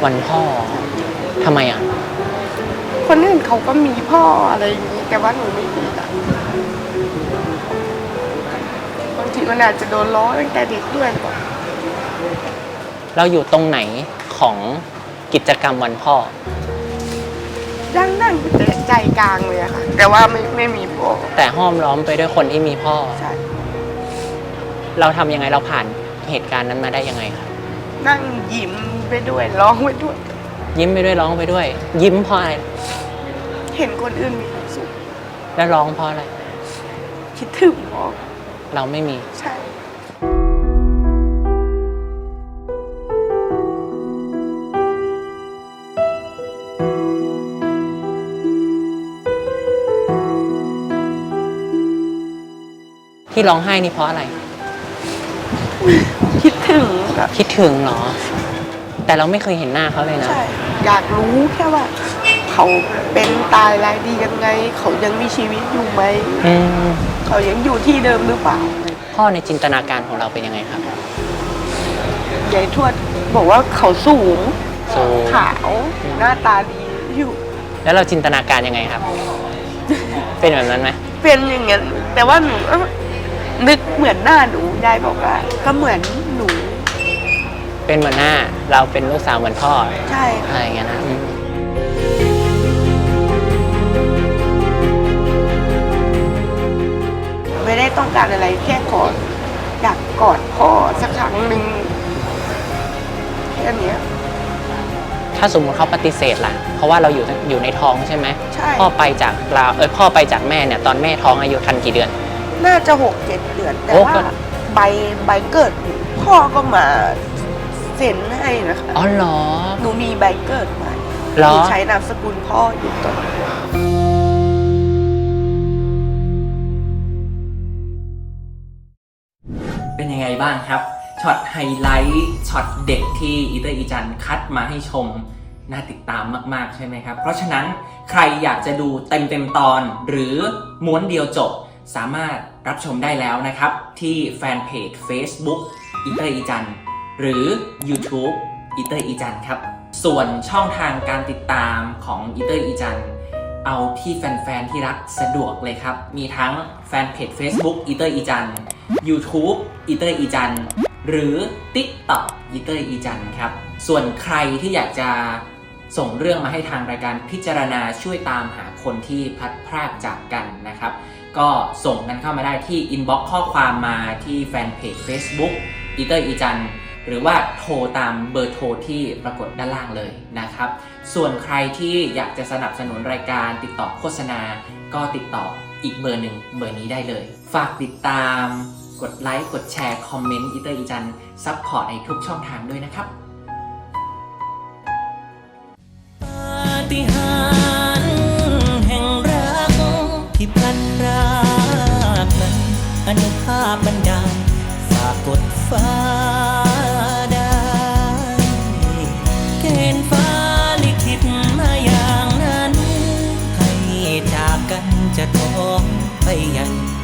วันพ่อทำไมอ่ะคนอื่นเขาก็มีพ่ออะไรอย่างนี้แต่ว่าหนูไม่มีอะบางทีมันอาจจะโดนล้อตั้งแต่เด็กด้วยก่อนเราอยู่ตรงไหนของกิจกรรมวันพ่อนั่งใจกลางเลยอะค่ะแต่ว่าไม่มีพ่อแต่ห้อมล้อมไปด้วยคนที่มีพ่อใช่เราทำยังไงเราผ่านเหตุการณ์นั้นมาได้ยังไงครับนั่งยิ้มไปด้วยร้องไปด้วยยิ้มไปด้วยร้องไปด้วยยิ้มเพราะอะไรเห็นคนอื่นมีความสุขแล้วร้องเพราะอะไรคิดถึงพ่อเราไม่มีใช่ที่ร้องไห้นี่เพราะอะไรคิดถึงคิดถึงเหรอแต่เราไม่เคยเห็นหน้าเขาเลยนะใช่อยากรู้แค่ว่าเขาเป็นตายรายดียังไงเขายังมีชีวิตอยู่ไหมเขายังอยู่ที่เดิมหรือเปล่าพ่อในจินตนาการของเราเป็นยังไงครับยายทวดบอกว่าเขาสูงขาวหน้าตาดีอยู่แล้วเราจินตนาการยังไงครับ เป็นแบบนั้นไหมเป็นอย่างนั้นแต่ว่าหนูนึกเหมือนหน้าหนูยายบอกว่าก็เหมือนหนูเป็นเหมือนหน้าเราเป็นลูกสาวเหมือนพ่อใช่อะไรอย่างเงี้ยนะไม่ได้ต้องการอะไรแค่อยากกอดพ่อสักครั้งหนึ่งแค่นี้ถ้าสมมติเขาปฏิเสธล่ะเพราะว่าเราอยู่ในท้องใช่ไหมใช่พ่อไปจากเราพ่อไปจากแม่เนี่ยตอนแม่ท้องอายุทันกี่เดือนน่าจะ6-7 เดือนแต่ว่าใบเกิดพ่อก็มาเซ็นให้นะคะอ๋อเหรอหนูมีใบเกิดมาหนูใช้นามสกุลพ่ออยู่ตอนเป็นยังไงบ้างครับช็อตไฮไลท์ช็อตเด็กที่อีเตอร์อีจันคัดมาให้ชมน่าติดตามมากๆใช่ไหมครับเพราะฉะนั้นใครอยากจะดูเต็มตอนหรือม้วนเดียวจบสามารถรับชมได้แล้วนะครับที่แฟนเพจ Facebook อีเตอร์อีจันหรือ YouTube อีเตอร์อีจันครับส่วนช่องทางการติดตามของอีเตอร์อีจันเอาที่แฟนๆที่รักสะดวกเลยครับมีทั้งแฟนเพจ Facebook อีเตอร์อีจัน YouTube อีเตอร์อีจันหรือ TikTok อีเตอร์อีจันครับส่วนใครที่อยากจะส่งเรื่องมาให้ทางรายการพิจารณาช่วยตามหาคนที่พลัดพรากจากกันนะครับก็ส่งกันเข้ามาได้ที่ inbox ข้อความมาที่แฟนเพจ Facebook อีเตอร์อีจันหรือว่าโทรตามเบอร์โทรที่ปรากฏด้านล่างเลยนะครับส่วนใครที่อยากจะสนับสนุนรายการติดต่อโฆษณาก็ติดต่ออีกเบอร์หนึ่งเบอร์นี้ได้เลยฝากติดตามกดไลค์กดแชร์คอมเมนต์อีเตอร์อีจันซัพพอร์ตในทุกช่องทางด้วยนะครับปาฏิหาริย์แห่งรักที่พลันพรากนั้นอนุภาพบันดาลฝากกดฟ้าได้เกณฑ์ฟ้าลิขิตมาอย่างนั้นให้จากกันจะท้องไปยัง